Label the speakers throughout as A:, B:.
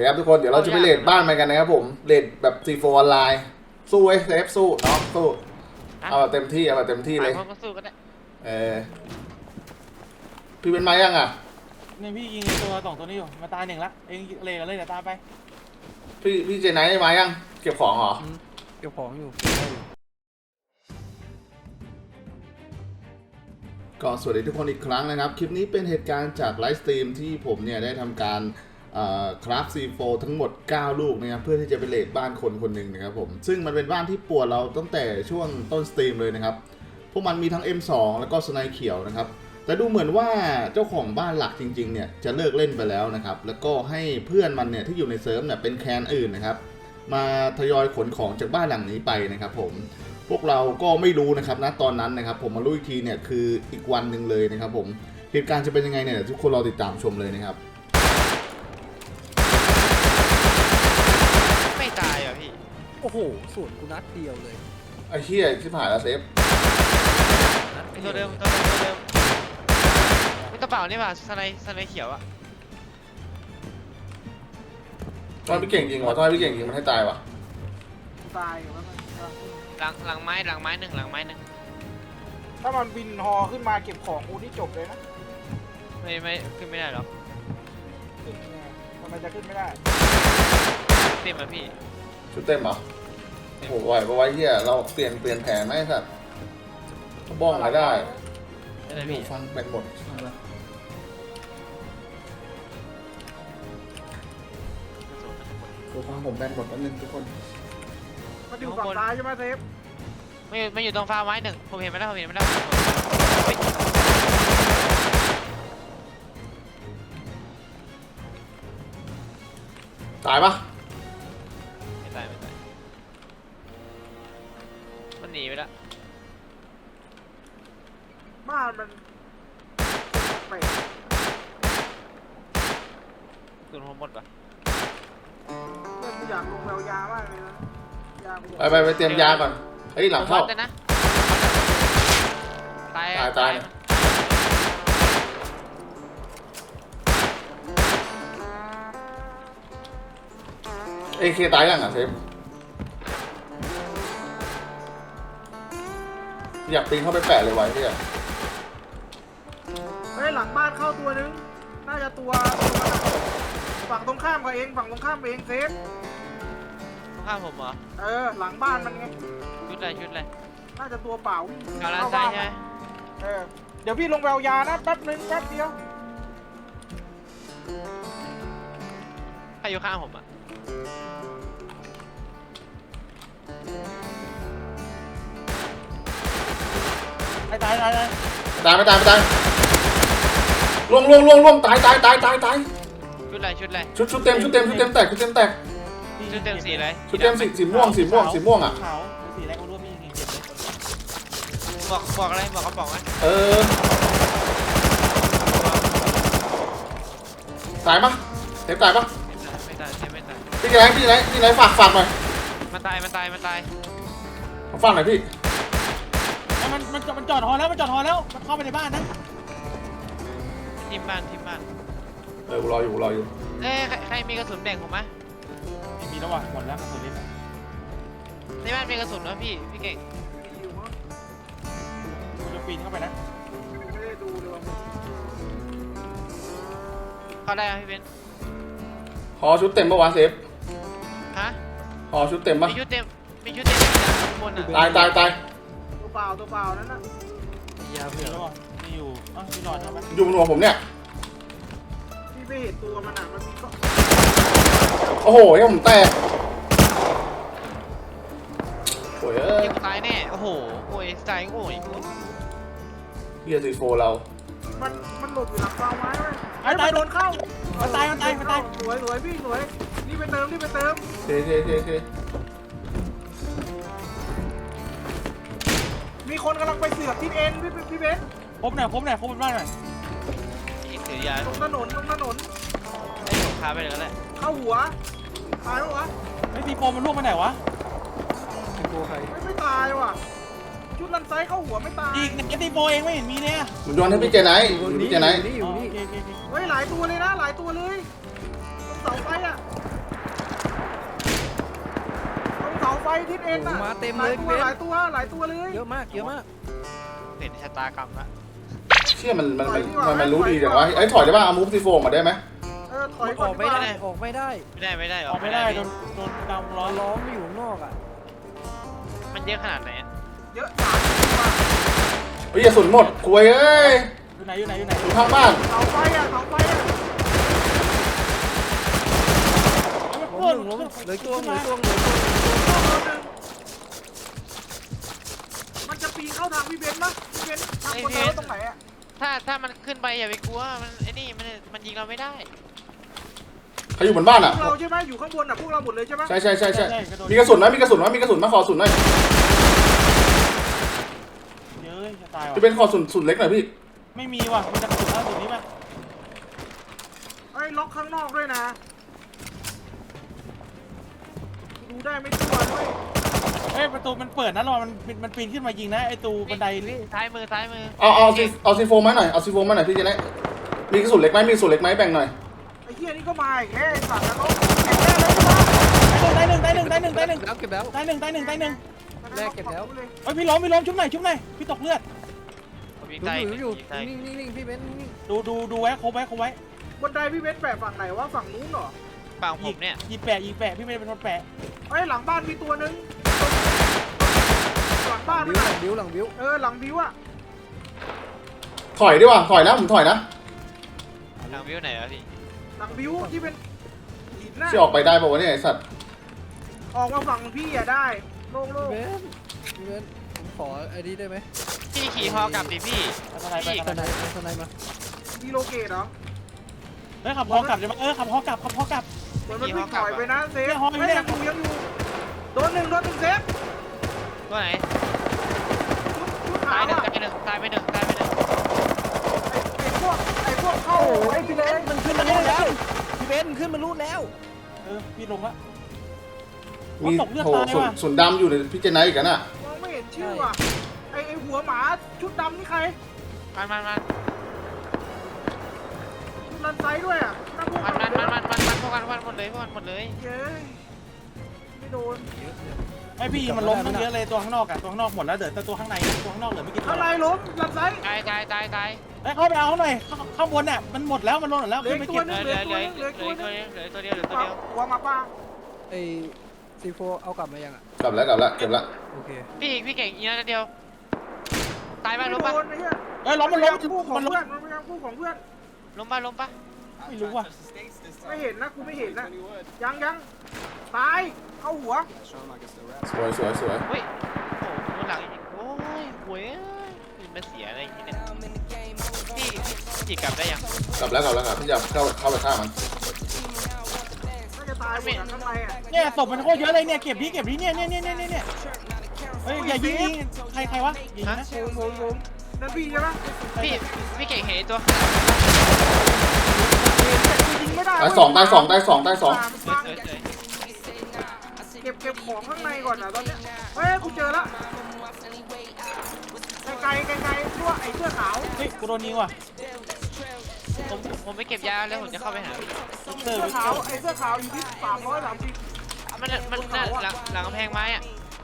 A: ครับทุกคนเดี๋ยวเราจะไปเรทบ้านมันกันนะครับผมเรทแบบC4ออนไลน์สู้เว้ยเซฟสู้น้องสู้เอาแบบเต็มที่เลย
B: ก็สู้ก็ได้
A: พี่เป็นไม้ยังอ่ะ
C: นี่พี่ยิงตัว2ตัวนี้อยู่มาตาย1ละเองเลยกันเลยเดี๋ยวตามไป
A: พี่เจไนท์ได้ไม้ยังเก็บของเหรอ
D: เก็บของอยู่
A: ก็สวัสดีทุกคนอีกครั้งนะครับคลิปนี้เป็นเหตุการณ์จากไลฟ์สตรีมที่ผมเนี่ยได้ทำการคราฟC4ทั้งหมด9ลูกนะครับเพื่อที่จะไปเรทบ้านคนคนหนึ่งนะครับผมซึ่งมันเป็นบ้านที่ปวดเราตั้งแต่ช่วงต้นสตรีมเลยนะครับพวกมันมีทั้ง M2 แล้วก็สไนเขียวนะครับแต่ดูเหมือนว่าเจ้าของบ้านหลักจริงๆเนี่ยจะเลิกเล่นไปแล้วนะครับแล้วก็ให้เพื่อนมันเนี่ยที่อยู่ในเซิร์ฟเนี่ยเป็นแคนอื่นนะครับมาทยอยขนของจากบ้านหลังนี้ไปนะครับผมพวกเราก็ไม่รู้นะครับณตอนนั้นนะครับผมมารู้อีกทีเนี่ยคืออีกวันหนึ่งเลยนะครับผมเหตุการณ์จะเป็นยังไงเนี่ยทุกคนรอติดตามชมเลยนะครับ
B: ไม่ตายอ่ะพี่
D: โอ้โหสูตรกูนัดเดียวเลย
A: ไอ้เหี้ยที่ผ่านแล้วเซฟ
B: ตัวเดิมไม่กระเป๋านี่ป่ะสไนเขียวอ่ะ
A: ทำไมพี่เก่งจริงวะทำไมพี่เก่งจริงมันให้ตายวะ
C: ตายอยู่แล้ว
B: หลังไม้หนึ่ง
C: ถ้ามันบินฮอขึ้นมาเก็บของกูนี่จบเลยนะ
B: ไม่ขึ้นไม่ได้หรอ
C: ทำไมจะขึ้นไม่ได้
B: เต็มอ่ะพี่
A: ชุดเต็มเหรอโอ้โหไหวปะวะเหี้ยเราเปลี่ยนแผนไหมสัตว์บ้องอะไรได้อยู่ฟังแบตหมดฟังผมแบตหมดแล้วนึงทุกคน
C: มันอยู่ฝั่งซ้ายใช่ไหมเซฟ
B: ไม่อยู่ตรงฟ้าไม้หนึ่งผมเห็นไม่ได้
A: ตายปะ
B: ไม่ตายมันหนีไปแล้ว
C: บ้านมันไป
B: คุณผมหมดปะ
C: กูอยากลงแววยามากเลยนะ
A: ไปเตรียมยาก่อนเฮ้ยหลังเข้า
B: นะตาย
A: AK ตายยังอ่ะเซฟอยากปีนเข้าไปแปะเลยไว้พี่
C: เฮ้ยหลังบ้านเข้าตัวนึงน่าจะตัวฝั่งตรงข้ามกับเองเซฟ
B: ข้ามผมเหรอ
C: หลังบ้านมันไง
B: ชุดอะไร
C: น่าจะตัวเปล่า
B: เอาล้านซ้ายใช่ไหม
C: เดี๋ยวพี่ลงแววยานะแป๊บเดียว
B: ใครอยู่ข้างผมอ่ะ
A: ตายล่วงตาย
B: ชุดอะไร
A: ชุดเต็มแตก
B: ชุดเต็มสีอะไร
A: ชุดเต็มสีม่วงอ่ะ
C: ขาวสีอะไรก็รู้มีเก็บเลย
B: บอกอะไรบอกเขาบอกไหม
A: ตายปะเซฟตายปะ
B: ไม่ตาย
A: พี่ไหนฝากหน่อย
B: มันตาย
A: ฝากหน่อยพี่
C: มันจอดฮอแล้วมันเข้าไปในบ้านนะ
B: ทีมบ้าน
A: กูรออยู่
B: ใครมีกระสุนแบ่งผมไหม
C: ไม่มีแล้วว่ะหมดแล้วกระสุนเล่น
B: ในบ้านมีกระสุนนะพี่เก่ง
C: กูจะปีนเข้าไปนะไม่ได้ดูเลย
B: เข้าได้พี่เบน
A: หอชุดเต็มปะวะเซฟ
B: ฮะ
A: หอชุดเต็มปะ
B: มีชุดเต็มบนอ่ะ
A: ตาย
C: ตัวเปล่านั่นน่ะ
D: ยาเผื่อ
C: มีอยู่มีหลอดใช่ไหม
A: อยู่บนหัวผมเนี่ย
C: พี่ไม่เห็นตัวมันอ่ะมันมีก็
A: โอ้โหยังผมแตกโอ้ย
B: ตายแน่โอ้โหตายโง่
A: เฮียซีโฟเรา
C: มันหลบอยู่หลังกองไม้เลยตายโดนเข้ามันตายสวยพี่สวยรีบไปเติม
A: เท
C: มีคนกำลังไปเสือกที่เอ็นพี่เบนพบหน่อยบ้านหน่อย
B: ถือยา
C: ตรงถนน
B: ให้ผมพาไปเลยก็ได้
C: เข้าหัวตายแล้ววะไอ้ซีโฟมันล่วงไปไหนวะ
D: ตัวใคร
C: ไม่ตายว่ะชุดลันไซเข้าหัวไม่ตายอีกไอ้ซีโฟเองไม่เห็นมีเนี่ย
A: มันโยนให้พี่เจไนท์
D: อยู่นี่
C: เฮ้ยหลายตัวเลยนะตรงเสาไฟอ่ะทิศเอ็นอ่ะ
D: มาเต็มเลย
C: หลายตัวเลย
D: เยอะมากเยอะมาก
B: เห็นชะตากรรมละ
A: เชี่ยมันรู้ดีแต่ว่าไอ้ถอยได้ป่ะเอามูฟซีโฟมาได้ไหม
C: ถอย
D: อ
C: ก่อ
D: อน กไม่ได้ออกไม่ได้
B: ไม่ได้
C: ออกไม่ได้โดนดำร้อน
D: ล้อมไม่อยู่ข้างนอกอ่ะ
B: มันเยอะขนาดไหนอะ
C: เยอะจัดว่ะ
A: เฮ้ยอย่าสุนหมดคุยเอ้ย
C: อยู่ไหนอยู่
A: อยู่ข้างบ้าน
C: เสาไฟอ่ะ
D: ล้มหนึ่งล้มเหลือตัว
C: มันจะปีนเข้าทางพี่เบนซ์ปะพี่เบนซ์ทางคนเดียวตรงไหนอ่ะ
B: ถ้ามันขึ้นไปอย่าไปกลัวมันไอ้นี่มันยิงเราไม่ได้
A: ใครอยู่บนบ้าน
C: พ
A: อ่ะ
C: วกเราใช่ไหมอยู่ข้างบนอ่ะพวกเราหมดเลยใช่ไหม
A: ใช่มีกระสุนไหมมีกระสุนมาขอกระสุนหน่อย
C: เยอะจะตาย
A: พี่เป็นขอสุนเล็กหน่อยพี่
C: ไม่มีว่ะมันจะกระสุนล่าสุดนี้ป่ะไอ้ล็อกข้างนอกด้วยนะดูได้ไม่ตัวด้วยเอ้ยประตูมันเปิดนะรอมันปีนขึ้นมายิงนะไอ้ตูบันไดนี่
B: ซ้ายมือ
A: เอาซีโฟมาหน่อยพี่จะได้มีกระสุนเล็กไหมแบ่งหน่อย
C: ไอ้เหี้ยนี่ก็มาอีกแค่สั่งแล้วก็เก็บได้เลยใช่ปะได้หนึ่ง
D: แล้วเก็บแล้ว
C: ได้หนึ่ง
D: แรกเก็บแล้ว
C: เฮ้ยพี่ล้มชุบหน่อยพี่ตกเลือด
B: ผมยิง
D: ดู
B: ใต้
D: อยู่
B: ยิงใต้
D: นิ่งพี่เบนนิ่ง
C: ดูไว้ครบไว้บนไดพี่เบนซ์แปะฝั่งไหนวะฝั่งนู้นเหรอ
B: ฝั่งผมเนี่ย
C: ยิงแปะพี่เบนซ์เป็นคนแปะเฮ้ยหลังบ้านมีตัวนึงหลังบ้าน
D: บิ
C: มัน
D: วหลังบิวหลังบิว
C: หลังบิวอะ
A: ถอยดีกว่าถอยนะผมถอยนะ
B: ทางวิวไหนวะพี่
C: หลังบิวที่เป็นหินน่ะ
A: ที่ออกไปได้ป่าวะเนี่ยไอ้สัตว์
C: ออกมาฝั่งพี่อะได้โล่ง
D: พี่เบนผมขอไอ้นี้ได้ไหม
B: พี่ขี่ฮอกลับดิพี่
D: สไนมา
C: มีโลเกตเหรอ
E: เฮ้ยขับฮอกลับเลยมั้ยขับฮอกลับ
C: เหมือนมันวิ่งถอยไปนะเซฟไม่ยังอยู่โดนหนึ่งเซฟ
B: ตัวไหน
C: ชุด
B: ตา
C: ขาย ว
B: หนึ่ง
C: อะ
B: ตายไปหนึ่ง
C: ไอ้พวกเข้าไอ้พี่เบนซ์
D: มันขึ้นมารูดแล้วพี่เบนขึ้นมารูดแล้ว
E: พี่ลงละ
A: มีโหสุนดำอยู่ในพี่เจนไนท์อีกน่ะ
C: มองไม่เห็นชื่อว่ะไอ้หัวหมาชุดดำนี่ใคร
B: มัน
C: ชุดรันไซด้วยอะนั่งพวก
B: พวกกันหมดเลย
C: เย้ไม่โดน
E: ไอพี่มันล้มทั้งเยอะเลยตัวข้างนอกตัวข้างนอกหมดแล้วเดี๋ยวแต่ตัวข้างในตัวข้างนอกเหลือไม่กี่ตัว
C: อะไรล้มรันไซ
B: ตาย
E: เฮ้ยเข้าไปเอาหน่อยข้างบนเนี่ยมันหมดแล้วมันล้นหมดแล้ว
C: เหลื
E: ขึ้
C: อน
E: ไป
C: ตัว
E: เก็บ
C: นึงเหลือตัวนึง
B: เหลือตัวเดียว
C: หัวมาป้า
D: ไอ้ซีโฟเอากลับมายังอ่ะ
A: กลับแล้วเก็บแล้ว
D: โอเค
B: พี่เก่งอีกนัดเดียวตาย
C: ไม่
B: ป่ะ
C: โด
B: ล้มป่ะ
C: นไอ้เหี้ย
E: เฮ้ยล้มมันล้ม
C: คู่ของ
E: มันล้ม
C: เพื่อนมันเป็นคู่ของเพื่อน
B: ล้มป่ะ
E: ไม่รู้ว่ะ
C: ไม่เห็นนะกูไม่เห็นนะยังตายเข้าหัว
A: สวย
B: เฮ้ยโอ้โหหลังอีกโอ้ยหวยมันเสียอะไรอย่างเงี้ยพี่จีกลับได้ยัง
A: กลับแล้วพี่จะเข้าไปฆ่ามัน
C: น่าจะตายหมดข้างในอ่ะ
E: เนี่ยศพมันโคตรเยอะเลยเนี่ยเก็บที่เนี่ยเฮ้ยอย่ายิงใครวะยิงนะ
C: ผมนั่นพี่ใช่ไหม
B: พี่เก่งเห็นตัว
C: ยิงไม่ได้
A: ตายสอง
B: เ
C: เก็บของข้างในก่อนนะตอนนี้เฮ้ยกูเจอละไกลด้วยไอ้เสื้อขาว
E: เฮ้ยกูโดนยิงว่ะ
B: ผมไปเก็บยาแล้วผมจะเข้าไปหา
C: เสื้อขาวไอ้เสื้อขาวอยู่ที่330
B: มันหลังกำแพงไม้อะ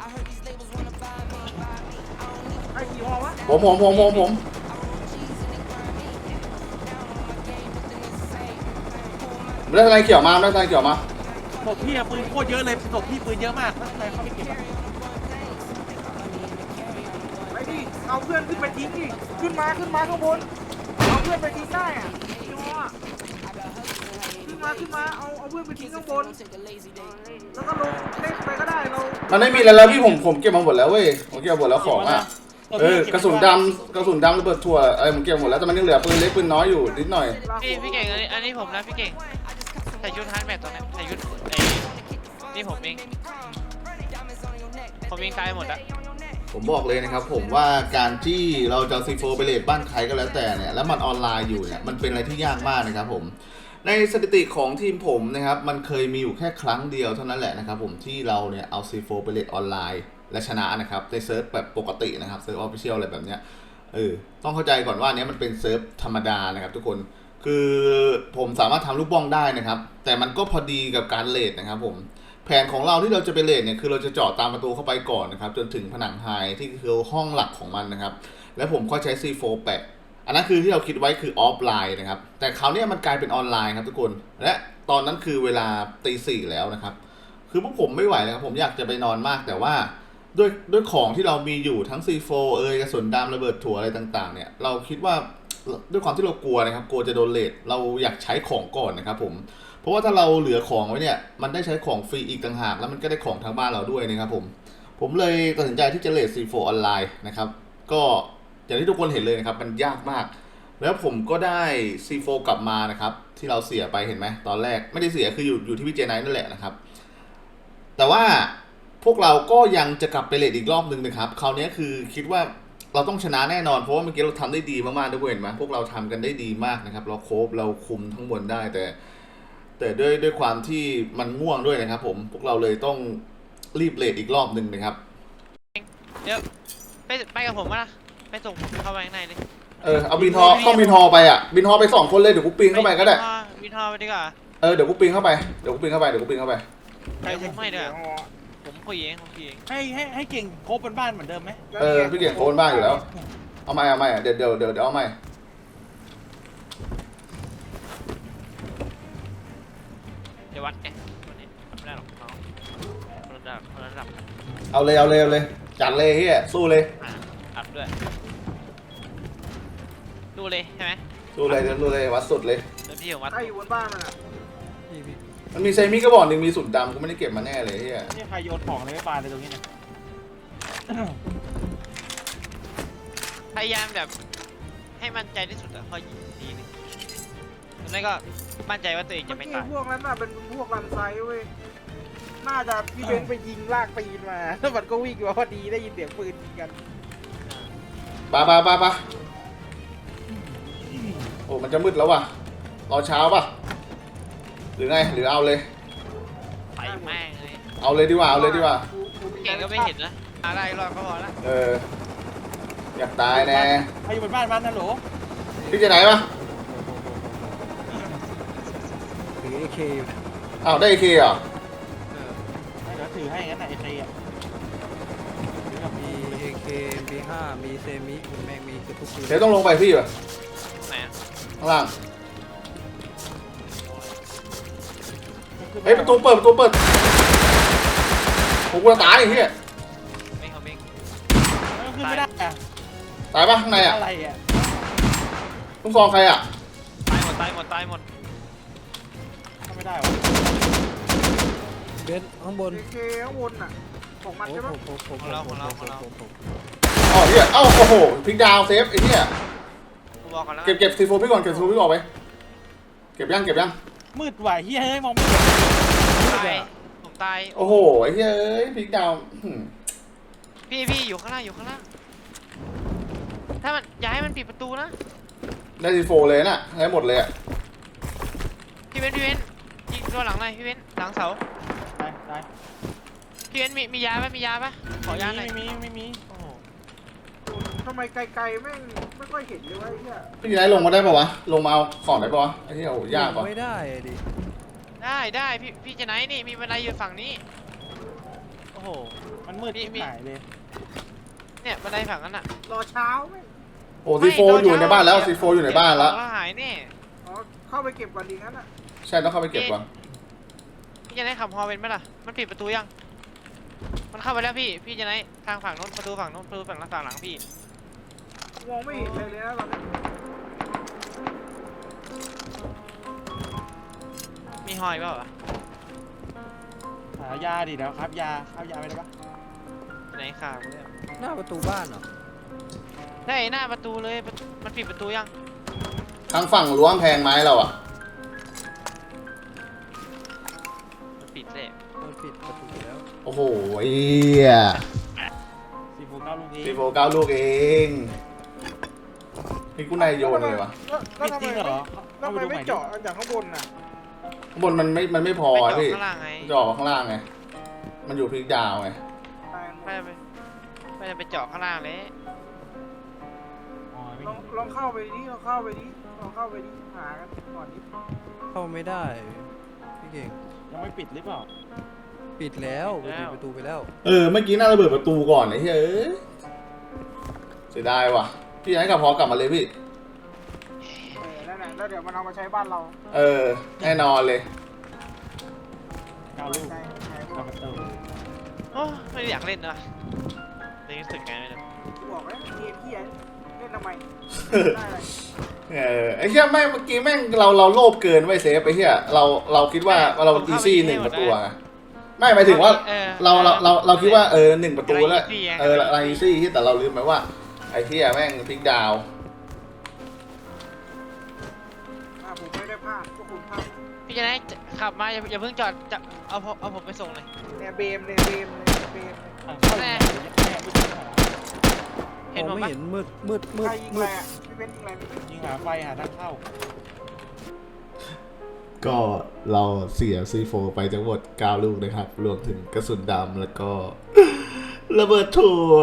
C: ไอ้กี่ห้อวะ
A: ผมได้ทนายเขียวมา
E: ศพพี่ปืนโคตรเยอะเลยศพพี่ปืนเยอะมากถ้าใครเข้าไปเก็บ
C: ไปดิเอาเพื่อนขึ้นไปทิ้งดิขึ้นมาข้างบนเอาเพื่อนไปทิ้งได้อ่ะกี่ห้อขึ้นมาเอาเพื่อนไปทิ้งข้างบนแล้วก็ลงเล่นไปก็ได้เรา
A: มันไม่มีอะไรแล้วพี่ผมเก็บมาหมดแล้วเว้ยผมเก็บหมดแล้วของอ่ะกระสุนดำระเบิดถั่วอะไรผมเก็บหมดแล้วแต่มันยังเหลือปืนเล็กปืนน้อยอยู่นิดหน่อย
B: พี่เก่งอันนี้ผมนะพี่เก่งใส่ชุดฮาร์ดแมทตัวนี้ใส่ชุดนี่ผมเองตายหมดแล้ว
A: ผมบอกเลยนะครับผมว่าการที่เราจะซีโฟไปเลทบ้านใครก็แล้วแต่เนี่ยแล้วมันออนไลน์อยู่เนี่ยมันเป็นอะไรที่ยากมากนะครับผมในสถิติของทีมผมนะครับมันเคยมีอยู่แค่ครั้งเดียวเท่านั้นแหละนะครับผมที่เราเนี่ยเอาซีโฟไปเลทออนไลน์และชนะนะครับในเซิร์ฟแบบปกตินะครับเซิร์ฟออฟฟิเชียลอะไรแบบเนี้ยต้องเข้าใจก่อนว่าเนี้ยมันเป็นเซิร์ฟธรรมดานะครับทุกคนคือผมสามารถทำลูกบ้องได้นะครับแต่มันก็พอดีกับการเลทนะครับผมแผนของเราที่เราจะไปเลทเนี่ยคือเราจะเจาะตามประตูเข้าไปก่อนนะครับจนถึงผนังไฮที่คือห้องหลักของมันนะครับแล้วผมก็ใช้ C4 แปะอันนั้นคือที่เราคิดไว้คือออฟไลน์นะครับแต่คราวนี้มันกลายเป็นออนไลน์ครับทุกคนและตอนนั้นคือเวลาตี 4แล้วนะครับคือพวกผมไม่ไหวแล้วครับผมอยากจะไปนอนมากแต่ว่าด้วยของที่เรามีอยู่ทั้ง C4 กระสุนดำระเบิดถั่วอะไรต่างๆเนี่ยเราคิดว่าด้วยความที่เรากลัวนะครับกลัวจะโดนเลทเราอยากใช้ของก่อนนะครับผมเพราะว่าถ้าเราเหลือของไว้เนี่ยมันได้ใช้ของฟรีอีกต่างหากแล้วมันก็ได้ของทางบ้านเราด้วยนะครับผมเลยตัดสินใจที่จะเลท C4 ออนไลน์นะครับก็อย่างที่ทุกคนเห็นเลยนะครับมันยากมากแล้วผมก็ได้ C4 กลับมานะครับที่เราเสียไปเห็นไหมตอนแรกไม่ได้เสียคืออยู่ที่พี่เจไนท์นั่นแหละนะครับแต่ว่าพวกเราก็ยังจะกลับไปเลทอีกรอบนึงนะครับคราวนี้คือคิดว่าเราต้องชนะแน่นอนเพราะว่าเมื่อกี้เราทำได้ดีมากๆทุกคนเห็นไหมพวกเราทำกันได้ดีมากนะครับเราโคฟเราคุมทั้งบนได้แต่ด้วยความที่มันง่วงด้วยนะครับผมพวกเราเลยต้องรีบเลทอีกรอบนึงนะครับ
B: เดี๋ยวไปกับผมวะนะไปส่งผมเข้าไปข้างในเลย
A: เอาบินฮอต้องบินฮอไปอ่ะบินฮอไป2 คนเลยเดี๋ยวกูปีนเข้าไปก็ได้
B: วินทอไปดีกว่า
A: เดี๋ยวกูปีนเข้าไปเดี๋ยวกูปีนเข้าไป
B: เดี๋ยวผมไม่ด้วยผมคุยเอง
E: ให้เก่งโคบเป็นบ้านเหมือนเดิมไหม
A: พี่เก่งโคนบ้านอยู่แล้วเอาไม่เดี๋ยวเอาไม่
B: เดี๋ยววัดไงวันนี้ไม่ได้หรอกน้องระดับ
A: เอาเลยจัดเลยเฮียสู้เลย
B: อัดด้วยดูเลยใช่ไหม
A: สู้เลยวัดสุดเลย
B: เดี๋ยวพี่ผมวัด
C: ใครอยู่บนบ้านมันอ่ะ
D: พี่
A: มันมีไซมิกระบอกหนึ่งมีสุดดำกูไม่ได้เก็บมาแน่เลยเฮีย
E: นี่ใครโยนของอะไรไม่ปาเลยตรงนี้นะ
B: พยายามแบบให้มั่นใจที่สุดอะพอยิงทีนึงหรือไม่ก็มั่นใจว่าตัวเอง
C: เมื่
B: จะ
C: อ
B: ไม่
C: กี้
B: ตาย
C: พวกนั้นน่ะเป็นพวกรันไซด์เว้ยน่าจะพี่เบนไปยิงลากตีนมาแล้วมันก็วิ่งมาพอดีได้ยินเสียงปืนยิงกัน
A: ปะโอ้มันจะมืดแล้วว่ะรอเช้าป่ะหรือไงหรือเอาเลย
B: ไปแม่งเลย
A: เอาเลยดีกว่า
B: เก่งก็ไม่เห็นนะอะไรรอดก็พอละ
A: อยากตายแน่
E: ใครอยู่บนบ้านมันนะโหล
A: พี่จะไหนปะ
D: ถือ AK อยู่เนี่ย
A: อ้าวได้เคเหรอ
E: เดี๋ยวถือให้งั้นนะไอ้ใครอ่ะ
D: มี AK MP5 มีเซมิแม่งมีเกือบทุกปืน
A: เดี๋ยวต้องลงไปพี่ป่ะ
B: ไหนอะ
A: ข้างล่างเฮ้ยประตูเปิดผมกลัวตายไอ้เหี้ย
B: ไม่เขาไม่
E: ขึ้นไม่ได้อะ
A: ตายปะข้างในอ่ะ
E: อะไรอ่ะ
A: ต้องซองใครอ่ะ
B: ตายหมด
E: ทำไม่ได้วะ
D: เบนซ์ข้างบน
C: เอเคข้างบนอ่ะของมันใช่ปะ
D: ผม
A: อ๋อเหี้ยเอ้าโอ้โหพลิกดาวเซฟไอ้เหี้ย
B: กูบอกก่อนแล้ว
A: เก็บซีโฟพี่ก่อนเก็บซีโฟพี่ออกไปเก็บยัง
E: มืดไหวเฮ้ยเฮ้ยมองไม่เห็น
B: ผมตาย
A: โอ้โหไอ้เหี้ยเอ้ยพลิกดาว
B: พี่อยู่ข้างล่างถ้ามันย้ายมันปิดประตูนะ
A: ได้ซีโฟเลยน่ะได้หมดเลยอ่ะ
B: พี่เว้นยิงตัวหลังเลยพี่เว้นหลังเสา
E: ได้
B: พี่เว้นมียาปะขอยาหน่อย
E: ไม่มี
B: โอ้โห
C: ทำไมไกลๆแม่งไม่ค่อยเห็นเลยวะไอ้เหี้ย
A: พี่ไหนลงมาได้ปะวะลงมาเอาของได้ปะวะไอ้เหี้ยโอ้โหยากปะ
D: ไม่ได้ดิ
B: ได้พี่จะไหนนี่มีบันไดอยู่ฝั่งนี้โอ้โห
E: มันมืดที่หายเลย
B: เนี่ยบันไดฝั่งนั้นอ่ะ
C: รอเช้าแม่ง
A: โอ้ซีโฟอยู่ในบ้านแล้วซีโฟอยู่ในบ้านแล้ว
B: ก็หายแน่
C: อ๋อเข้าไปเก็บก่อนดีงั้นอ่ะ
A: ใช่ต้องเข้าไปเก็บก่อน
B: พี่จะไหนขับฮอเป็นไหมล่ะมันปิดประตูยังมันเข้าไปแล้วพี่จะไหนทางฝั่งโน้นประตูฝั่งโน้นประตูฝั่งหลังพี่
C: มองไม่เห็นเลยนะตอนนี้
B: มีฮอยเปล่าวะ
E: หายาดิเดี๋ยวครับยาไม่ได้ปะ
B: ไหนข่าวเนี่ย
D: หน้าประตูบ้านเหรอ
B: ได้หน้าประตูเลยมันปิดประตูยัง
A: ทางฝั่งรั้วกำแพงไม้เราอ่ะ
B: มันปิดเลย
D: มันปิดประตูแล้ว
A: โอ้โหเอี้ย
E: ซีโฟ9ลูกนี้
A: ซีโฟ9 ลูกเองพี่กูนายโยนเลยวะ
C: แล้วทำ
E: จริง
C: ไม
E: เหรอ
C: แล้วทำไมไม่เจาะจากข้างบนน่ะ
A: ข้างบนมันไม่พอ
B: ไป
A: อะ
B: จอด
A: พี่
B: ข้างล่างไง
A: จะออกข้างล่างไงมันอยู่พลิกดาวไง
C: ตายหมด
B: ไม่ได้ไปเจาะข้างล่างเลย
E: อ๋อไม่
C: ลองเข้าไปดิลองเข้าไปดิหากันก่อนดิ
D: เข้าไม่ได้พี่เก่ง
E: ยังไม่ปิดหรือเปล่า
D: ปิดแล้วปิดประตูไปแล้ว
A: เมื่อกี้น่าระเบิดประตูก่อนไอ้เหี้ยเสียดายว่ะพี่อยากให้กับพอกลับมาเลยพี่
C: นั่นแหละแล้วเดี๋ยวมันเอามาใช้บ้านเรา
A: แน่นอนเลย
E: ก้าวลูก
C: ใช่ใช่
E: กับประตู
B: โอ้ไม่ได้อยากเล่นนะเลยรู้สึกไงไม่รู้
C: บอกแล้วเกมที่เล่นทำไมได้เลย
A: ไอ้เหี้ยแม่งเมื่อกี้แม่งเราโลภเกินไว้เซฟไปเหี้ยเราคิดว่าเราอีซี่1 ประตูอะไม่หมายถึงว่าเราคิดว่า1 ประตูแล้วเราอีซี่ที่แต่เราลืมไปว่าไอ้เหี้ยแม่งพลิกดาว
C: ผมไม่ได้พลาดพวกคุณพลาด
B: พี่จะได้ขับมาอย่าเพิ่งจอดจะเอาผมไปส่งเลย
C: เนี่ยเบมเลยเบมเลยเบมเลย
E: ทางเข้าแม่ไม่ยิงหา
B: เห็น
D: ม
B: ผ
D: อง
B: ม
D: ไม่
B: ปะ
D: เห็นมืด
C: ใครยิงอะไรอ่ะพี่เป็นยิงอะไร
E: ยิงหาไฟหาทางเข้า
A: ก็เราเสีย C4 ไปทั้งหมด9 ลูกนะครับ รวมถึงกระสุนดำแล้วก็ ระเบิดถั่ว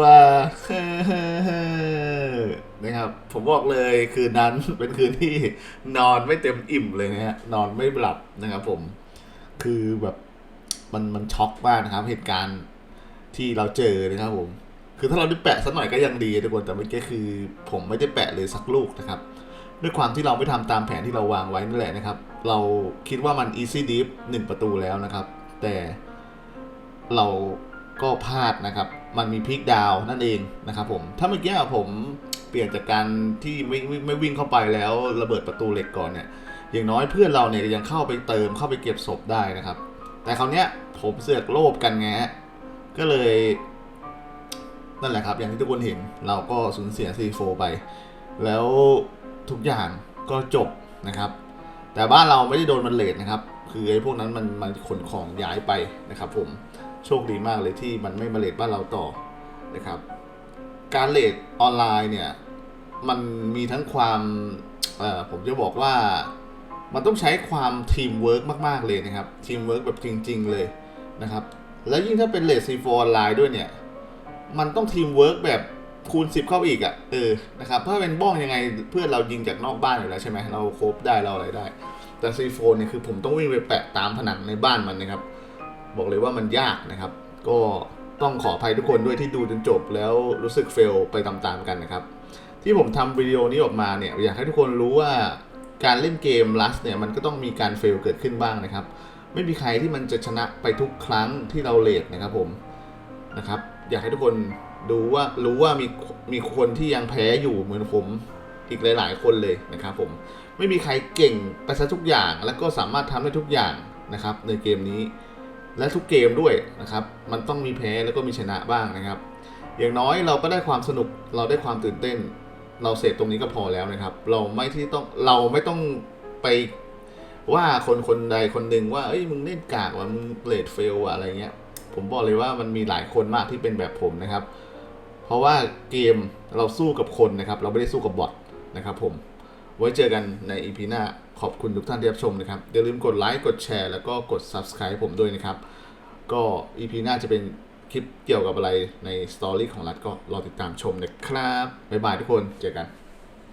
A: นะครับ ผมบอกเลยคืนนั้น เป็นคืนที่นอนไม่เต็มอิ่มเลยนะฮะนอนไม่หลับนะครับผมคือแบบมันช็อกมากนะครับ เหตุการณ์ที่เราเจอนะครับผมคือถ้าเราได้แปะสักหน่อยก็ยังดีทุกคนแต่เมื่อกี้คือผมไม่ได้แปะเลยสักลูกนะครับ ด้วยความที่เราไม่ทำตามแผนที่เราวางไว้นั่นแหละนะครับ เราคิดว่ามัน easy deep 1 ประตูแล้วนะครับ แต่เราก็พลาดนะครับ มันมีพลิกดาวนั่นเองนะครับผมถ้าเมื่อกี้ผมเปลี่ยนจากการที่ไม่วิ่งเข้าไปแล้วระเบิดประตูเหล็กก่อนเนี่ยอย่างน้อยเพื่อนเราเนี่ยยังเข้าไปเติมเข้าไปเก็บศพได้นะครับ แต่คราวเนี้ยผมเสือกโลภกันไงก็เลยนั่นแหละครับอย่างที่ทุกคนเห็นเราก็สูญเสีย C4 ไปแล้วทุกอย่างก็จบนะครับแต่บ้านเราไม่ได้โดนมันเลทนะครับคือไอ้พวกนั้นมันขนของย้ายไปนะครับผมโชคดีมากเลยที่มันไม่มาเลทบ้านเราต่อนะครับการเลทออนไลน์เนี่ยมันมีทั้งความผมจะบอกว่ามันต้องใช้ความทีมเวิร์กมากๆเลยนะครับทีมเวิร์กแบบจริงๆเลยนะครับแล้วยิ่งถ้าเป็นเลท C4 ออนไลน์ด้วยเนี่ยมันต้องทีมเวิร์กแบบคูณ 10 เข้าอีกอ่ะนะครับถ้าเป็นบ้องยังไงเพื่อนเรายิงจากนอกบ้านอยู่แล้วใช่ไหมเราโคบได้เราอะไรได้แต่ C4 เนี่ยคือผมต้องวิ่งไปแปะตามผนังในบ้านมันนะครับบอกเลยว่ามันยากนะครับก็ต้องขออภัยทุกคนด้วยที่ดูจนจบแล้วรู้สึกเฟลไปตามๆกันนะครับที่ผมทำวิดีโอนี้ออกมาเนี่ยอยากให้ทุกคนรู้ว่าการเล่นเกม Rust เนี่ยมันก็ต้องมีการเฟลเกิดขึ้นบ้างนะครับไม่มีใครที่มันจะชนะไปทุกครั้งที่เราเลทนะครับผมนะครับอยากให้ทุกคนรู้ว่ามีคนที่ยังแพ้อยู่เหมือนผมอีกหลายๆคนเลยนะครับผมไม่มีใครเก่งไปซะทุกอย่างแล้วก็สามารถทำได้ทุกอย่างนะครับในเกมนี้และทุกเกมด้วยนะครับมันต้องมีแพ้แล้วก็มีชนะบ้างนะครับอย่างน้อยเราก็ได้ความสนุกเราได้ความตื่นเต้นเราเสพตรงนี้ก็พอแล้วนะครับเราไม่ต้องไปว่าคนใดคนหนึ่งว่าเอ้ยมึงเล่นกากว่ะมึงเลดเฟลอะไรเงี้ยผมบอกเลยว่ามันมีหลายคนมากที่เป็นแบบผมนะครับเพราะว่าเกมเราสู้กับคนนะครับเราไม่ได้สู้กับบอทนะครับผมไว้เจอกันใน EP หน้าขอบคุณทุกท่านที่รับชมนะครับอย่าลืมกดไลค์กดแชร์แล้วก็กด Subscribe ผมด้วยนะครับก็ EP หน้าจะเป็นคลิปเกี่ยวกับอะไรในสตอรี่ของรัฐก็รอติดตามชมนะครับบ๊ายบายทุกคนเจอกัน